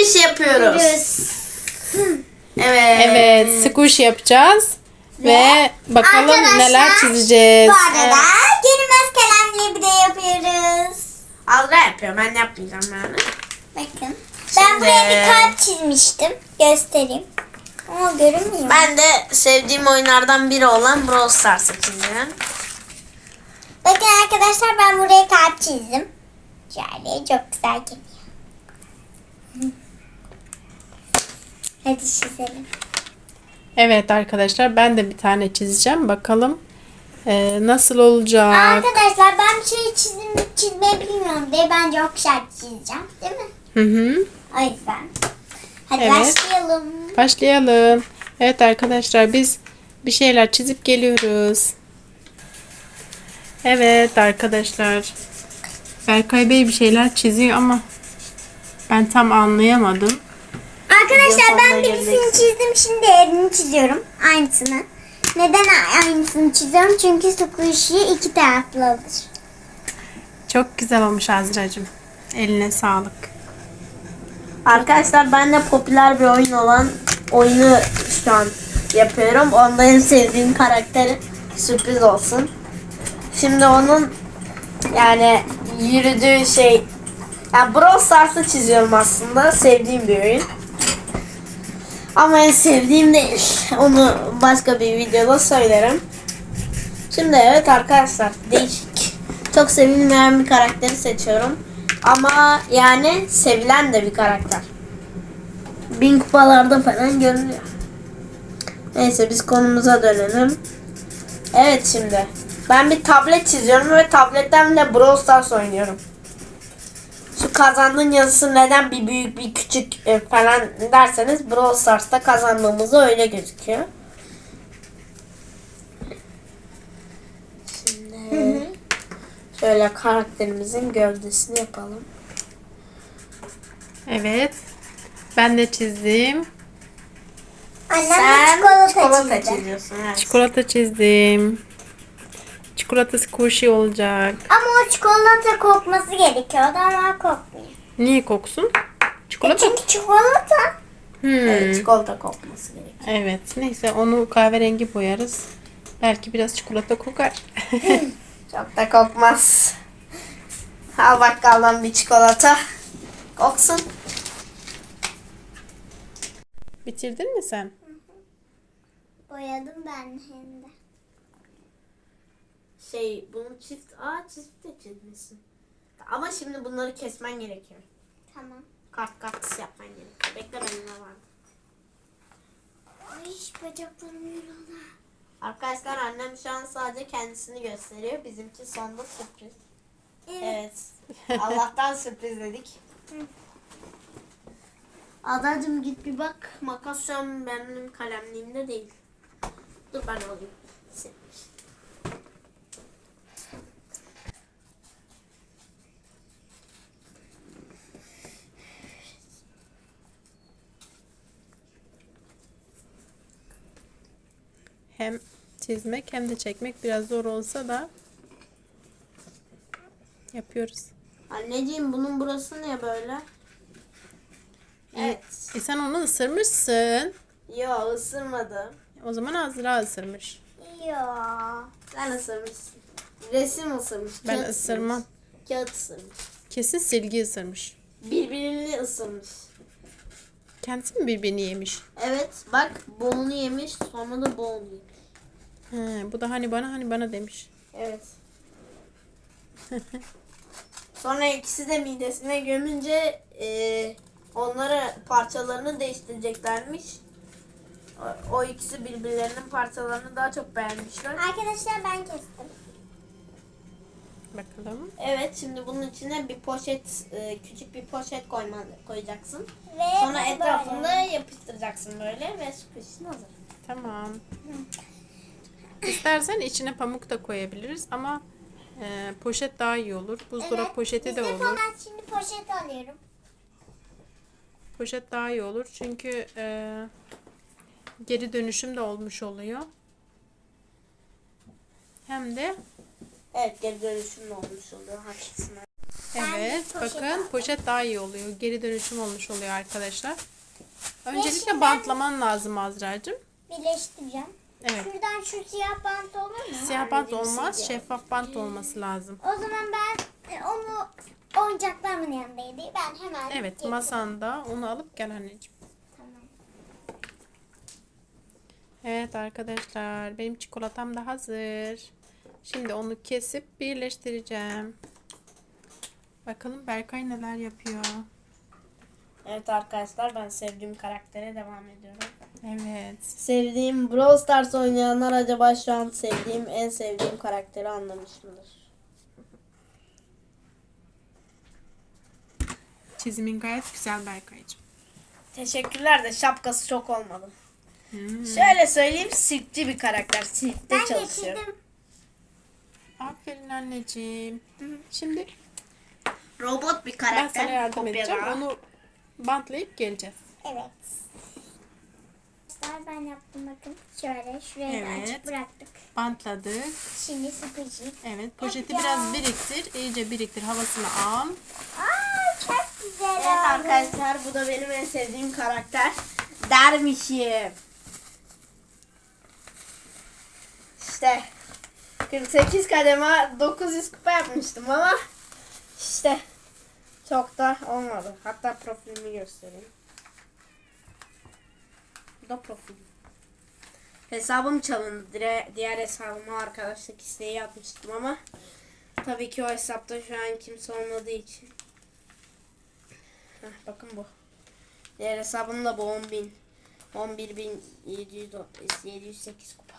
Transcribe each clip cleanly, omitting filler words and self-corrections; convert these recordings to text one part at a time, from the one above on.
squish yapıyoruz. Evet. Evet, squish yapacağız. Ve bakalım arkadaşlar, neler çizeceğiz. Bu arada görünmez kalemle bir de yapıyoruz. Azra yapıyor. Ben yapmayacağım yani. Bakın. Ben Şimdi- buraya bir kalp çizmiştim. Göstereyim. Ama görünmüyor. Ben de sevdiğim oyunlardan biri olan Brawl Stars'ı çizeceğim. Bakın arkadaşlar, ben buraya kalp çizdim. Şöyle çok güzel geliyor. Hadi çizelim. Evet arkadaşlar, ben de bir tane çizeceğim. Bakalım nasıl olacak. Arkadaşlar, ben bir şey çizmeyi bilmiyorum diye ben çok güzel çizeceğim. Değil mi? Hı hı. O yüzden. Hadi Evet. başlayalım. Başlayalım. Evet arkadaşlar, biz bir şeyler çizip geliyoruz. Evet arkadaşlar. Berkay Bey bir şeyler çiziyor ama ben tam anlayamadım. Arkadaşlar, ben Sonuna birisini geleceksin. çizdim. Şimdi diğerini çiziyorum. Aynısını. Neden aynısını çiziyorum? Çünkü squishy iki taraflı olur. Çok güzel olmuş Azra'cığım. Eline sağlık. Arkadaşlar ben de popüler bir oyun olan oyunu şu an yapıyorum. Onda en sevdiğim karakteri sürpriz olsun. Şimdi onun yani yürüdüğü şey, yani Brawl Stars'ı çiziyorum aslında. Sevdiğim bir oyun. Ama en sevdiğim değil. Onu başka bir videoda söylerim. Şimdi evet arkadaşlar, değişik, çok sevilmeyen bir karakteri seçiyorum. Ama yani sevilen de bir karakter. 1000 kupalarda falan görünüyor. Neyse, biz konumuza dönelim. Evet, şimdi ben bir tablet çiziyorum ve tabletten de Brawl Stars oynuyorum. Şu kazandığın yazısı neden bir büyük bir küçük falan derseniz, Brawl Stars'ta kazandığımızda öyle gözüküyor. Şimdi şöyle karakterimizin gövdesini yapalım. Evet. Ben de çizdim. Annem de Sen çikolata çizdi. çiziyorsun. Evet. Çikolata çizdim. Çikolata squishy olacak. Ama o çikolata kokması gerekiyordu ama kokmuyor. Niye koksun? Çikolata. Çünkü çikolata. Evet, çikolata kokması gerekiyor. Evet. Neyse, onu kahverengi boyarız. Belki biraz çikolata kokar. Çok da kokmaz. Al bakkaldan bir çikolata. Koksun. Bitirdin mi sen? Boyadım ben hem de. Bunu çizip de çizmişsin. Ama şimdi bunları kesmen gerekiyor. Tamam. Kart yapman gerekiyor. Bekle, benim ne vardı. Ay, bacaklarım yoruldu. Arkadaşlar, annem şu an sadece kendisini gösteriyor. Bizimki sonda sürpriz. Evet. Allah'tan sürpriz dedik. Adacığım, git bir bak. Makas şu an benim kalemliğimde değil. Dur, ben alayım. Hem çizmek hem de çekmek biraz zor olsa da yapıyoruz. Anneciğim, bunun burası ne böyle? Evet. Sen onu ısırmışsın. Yo, ısırmadım. O zaman Azra ısırmış. Ya. Sen ısırmışsın. Resim ısırmış. Ben kağıt ısırmam. ısırmış, Kağıt ısırmış. Kesin silgi ısırmış. Birbirini ısırmış. Kendisi mi birbirini yemiş? Evet, bak, boğunu yemiş, sonra da boğunu yemiş. Bu da hani bana demiş. Evet. Sonra ikisi de midesine gömünce onları parçalarını değiştireceklermiş. O ikisi birbirlerinin parçalarını daha çok beğenmişler. Arkadaşlar, ben kestim. Bakalım. Evet, şimdi bunun içine bir poşet, küçük bir poşet koyacaksın. Ve Sonra bunu etrafında böyle. yapıştıracaksın böyle ve squish'in hazır. Tamam. İstersen içine pamuk da koyabiliriz ama poşet daha iyi olur. Buzdolabı Evet, poşeti de biz olur. Ben şimdi poşet alıyorum. Poşet daha iyi olur çünkü geri dönüşüm de olmuş oluyor. Hem de Evet, geri dönüşümlü olmuş oluyor. Haklısın. Evet, Ben poşet bakın aldım. poşet daha iyi oluyor. Geri dönüşüm olmuş oluyor arkadaşlar. Öncelikle şimdi bantlaman lazım Azra'cığım. Birleştireceğim. Evet. Şuradan şu siyah bant olur mu? Siyah bant Anneciğim, olmaz, siz şeffaf bant olması lazım. O zaman ben onu oyuncaklarımın yanındaydı. Ben hemen Evet, getireyim. masanda onu alıp gel anneciğim. Tamam. Evet arkadaşlar, benim çikolatam da hazır. Şimdi onu kesip birleştireceğim. Bakalım Berkay neler yapıyor. Evet arkadaşlar, ben sevdiğim karaktere devam ediyorum. Evet. Sevdiğim Brawl Stars oynayanlar acaba şu an en sevdiğim karakteri anlamış mıdır? Çizimin gayet güzel Berkay'cığım. Teşekkürler de şapkası çok olmadı. Hmm. Şöyle söyleyeyim, sirkçi bir karakter. Sirkte Ben çalışıyor. getirdim. Aferin anneciğim. Şimdi Robot bir ben karakter. sana yardım kopyada. edeceğim. Onu bantlayıp geleceğiz. Evet. Ben yaptım bakın. Şöyle şuraya da Evet. açık bıraktık. Bantladık. Şimdi sıkıcı. Evet, poşeti Ya. biraz biriktir. İyice biriktir. Havasını al. Aa çok güzel Evet oldu. arkadaşlar, bu da benim en sevdiğim karakter. Dermişim. İşte 48 kademe 900 kupa yapmıştım ama işte çok da olmadı. Hatta profilimi göstereyim. Bu da profilim. Hesabım çalındı. Diğer hesabıma arkadaşlık isteği yapmıştım ama tabii ki o hesapta şu an kimse olmadığı için. Heh, bakın bu. Diğer hesabım da bu 10.000. 11.708 kupa.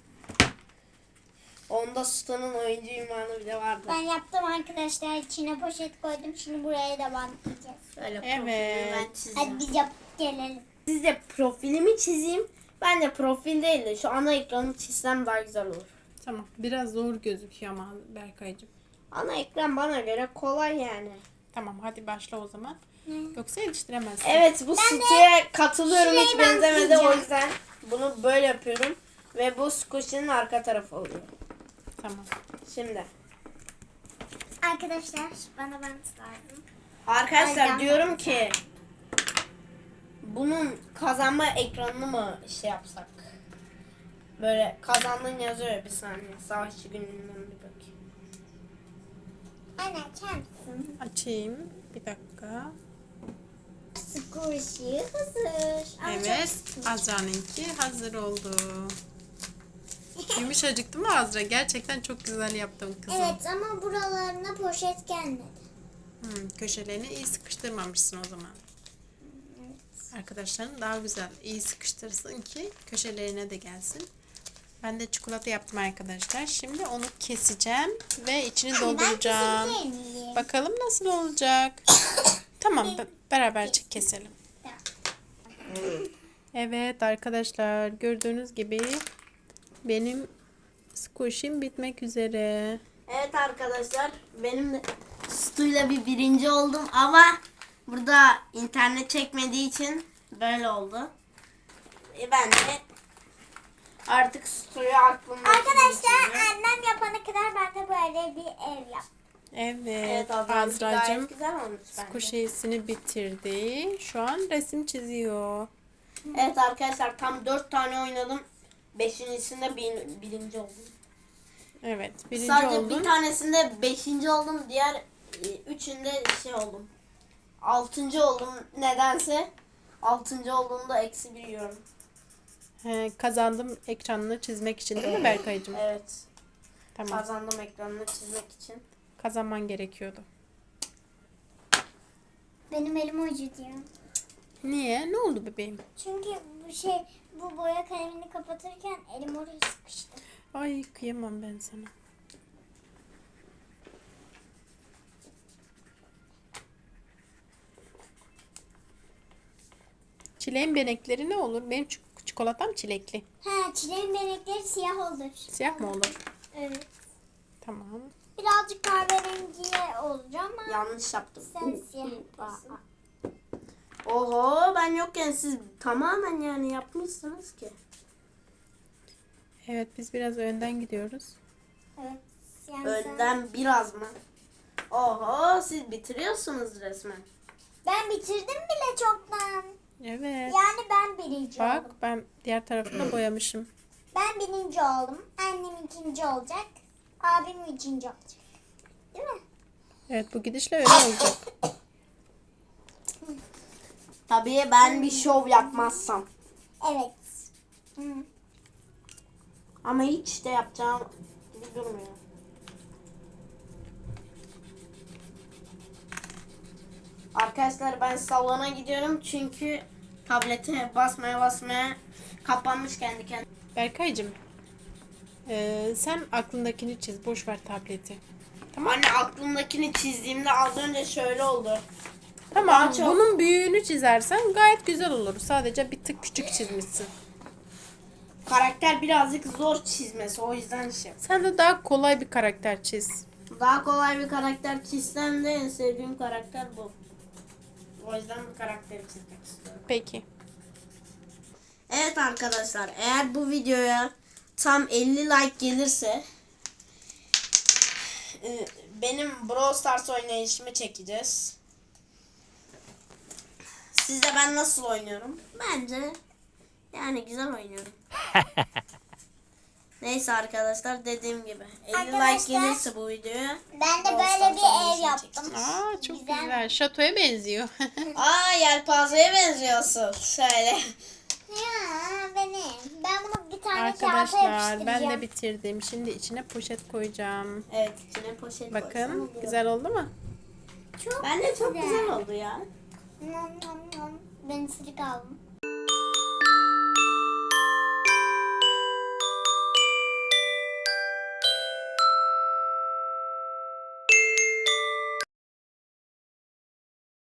Onda Sultan'ın oyuncu ünvanı bile vardı. Ben yaptım arkadaşlar. İçine poşet koydum. Şimdi buraya da bantlayacağız. Öyle Evet. profilimi ben çizeceğim. Hadi biz yapıp gelelim. Siz de profilimi çizeyim. Ben de profil değil de şu ana ekranı çizsem daha güzel olur. Tamam. Biraz zor gözüküyor ama Berkay'cığım. Ana ekran bana göre kolay yani. Tamam, hadi başla o zaman. Yoksa yetiştiremezsin. Evet, bu siteye katılıyorum, hiç şurayı benzemedi, o bantlayacağım. yüzden bunu böyle yapıyorum. Ve bu squish'in arka tarafı oluyor. Tamam. Şimdi. Arkadaşlar bana bant lazım. Arkadaşlar Aynen. diyorum ki bunun kazanma ekranını mı şey yapsak? Böyle kazandın yazıyor, bir saniye. Savaşçı gününden bir bakayım. Anne açar mısın? Açayım. Bir dakika. Squishy hazır. Ama Evet. çok- Azra'nınki hazır oldu. Yumuşacık değil mi Azra? Gerçekten çok güzel yaptım kızım. Evet ama buralarına poşet gelmedi. Köşelerini iyi sıkıştırmamışsın o zaman. Arkadaşların daha güzel iyi sıkıştırsın ki köşelerine de gelsin. Ben de çikolata yaptım arkadaşlar. Şimdi onu keseceğim ve içini dolduracağım. Ben kesebilir miyim? Bakalım nasıl olacak. Tamam, beraber keselim. Evet arkadaşlar, gördüğünüz gibi benim squish'im bitmek üzere. Evet arkadaşlar, benim de Stu'yla birinci oldum ama burada internet çekmediği için böyle oldu. Ben de artık Stu'yu aklımda. Arkadaşlar annem yapana kadar ben de böyle bir ev yaptım. Evet, Evet Azra'cığım, Azra'cığım gayet güzel olmuş bence. squish'ini bitirdi. Şu an resim çiziyor. Evet arkadaşlar, tam 4 tane oynadım. 5.sinde birinci oldum. Evet, birinci Sadece oldun. bir tanesinde 5. oldum. Diğer üçünde şey oldum. 6. oldum nedense. 6. olduğumda -1 yiyorum. Kazandım ekranını çizmek için değil mi Berkay'cığım? Evet. Tamam. Kazandım ekranını çizmek için. Kazanman gerekiyordu. Benim elim acıtıyor. Niye? Ne oldu bebeğim? Çünkü bu boya kalemini kapatırken elim oraya sıkıştı. Ay kıyamam ben sana. Çileğin benekleri ne olur? Benim çikolatam çilekli. Ha çileğin benekleri siyah olur. Siyah mı olur? Evet. Tamam. Birazcık kahverengiye olacak ama Yanlış yaptım. sen siyah yapıyorsun. Oho, ben yokken siz tamamen yani yapmışsınız ki. Evet, biz biraz önden gidiyoruz. Evet. Yani Önden biraz mı? Oho, siz bitiriyorsunuz resmen. Ben bitirdim bile çoktan. Evet. Yani ben birinci Bak oldum. ben diğer tarafını boyamışım. Ben birinci oldum. Annem ikinci olacak. Abim üçüncü olacak. Değil mi? Evet bu gidişle öyle olacak. Tabii ben bir şov yapmazsam. Evet. Hı. Ama hiç de yapacağım gibi durmuyor. Arkadaşlar ben salona gidiyorum çünkü tablete basmaya kapanmış kendi kendine. Berkaycığım sen aklındakini çiz. Boş ver tableti. Anne aklımdakini çizdiğimde az önce şöyle oldu. Tamam Daha çok- bunun büyüğünü çizersen gayet güzel olur. Sadece bir tık küçük çizmişsin. Karakter birazcık zor çizmesi, o yüzden şey. Sen de daha kolay bir karakter çiz. Daha kolay bir karakter çizsem de en sevdiğim karakter bu. O yüzden bu karakteri çizmek istiyorum. Peki. Evet arkadaşlar, eğer bu videoya tam 50 like gelirse benim Brawl Stars oynayışımı çekeceğiz. Sizce ben nasıl oynuyorum? Bence yani güzel oynuyorum. Neyse arkadaşlar, dediğim gibi 50 Arkadaşlar, like gelirse bu videoya Ben de Brawl böyle Stars bir ev oynayışını yaptım. çekeceğiz. Aa çok Güzel. güzel. Şatoya benziyor. Aa, yelpazeye benziyorsun. Şöyle. Ya benim. Ben bunu bir tane kağıta Arkadaşlar yapıştıracağım. ben de bitirdim. Şimdi içine poşet koyacağım. Evet, içine poşet koysam Bakın oluyor. güzel oldu mu? Çok Bence çok güzel oldu ya. Nom nom nom. Ben ısırık aldım.